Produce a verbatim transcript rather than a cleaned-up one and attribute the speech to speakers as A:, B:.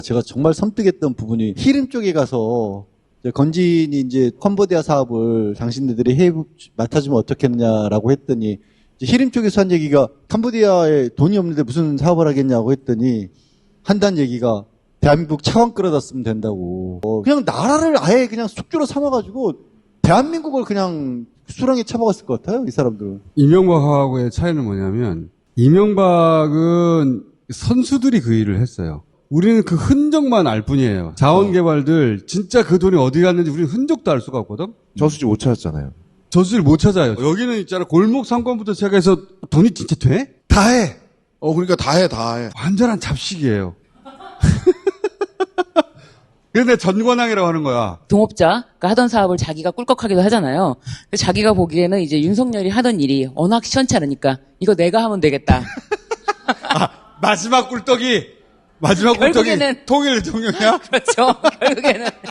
A: 제가 정말 섬뜩했던 부분이 히림 쪽에 가서 이제 건진이 이제 캄보디아 사업을 당신네들이 해 맡아주면 어떻겠냐라고 했더니 이제 히림 쪽에서 한 얘기가 캄보디아에 돈이 없는데 무슨 사업을 하겠냐고 했더니 한다는 얘기가 대한민국 차관 끌어다 쓰면 된다고. 어, 그냥 나라를 아예 그냥 숙주로 삼아가지고 대한민국을 그냥 수렁에 처먹었을 것 같아요, 이 사람들은.
B: 이명박하고의 차이는 뭐냐면 이명박은 선수들이 그 일을 했어요. 우리는 그 흔적만 알 뿐이에요. 자원개발들 진짜 그 돈이 어디 갔는지 우리는 흔적도 알 수가 없거든.
C: 저수지 못 찾았잖아요.
B: 저수지를 못 찾아요. 여기는 있잖아, 골목 상권부터 시작해서 돈이 진짜 돼?
C: 다 해. 어, 그러니까 다 해, 다 해.
B: 완전한 잡식이에요. 근데 전관왕이라고 하는 거야.
D: 동업자가 하던 사업을 자기가 꿀꺽하기도 하잖아요. 근데 자기가 보기에는 이제 윤석열이 하던 일이 워낙 시원찮으니까 이거 내가 하면 되겠다.
B: 아, 마지막 꿀떡이 마지막 꿀떡이
D: 결국에는-
B: 통일 대통령이야?
D: 그렇죠. 결국에는.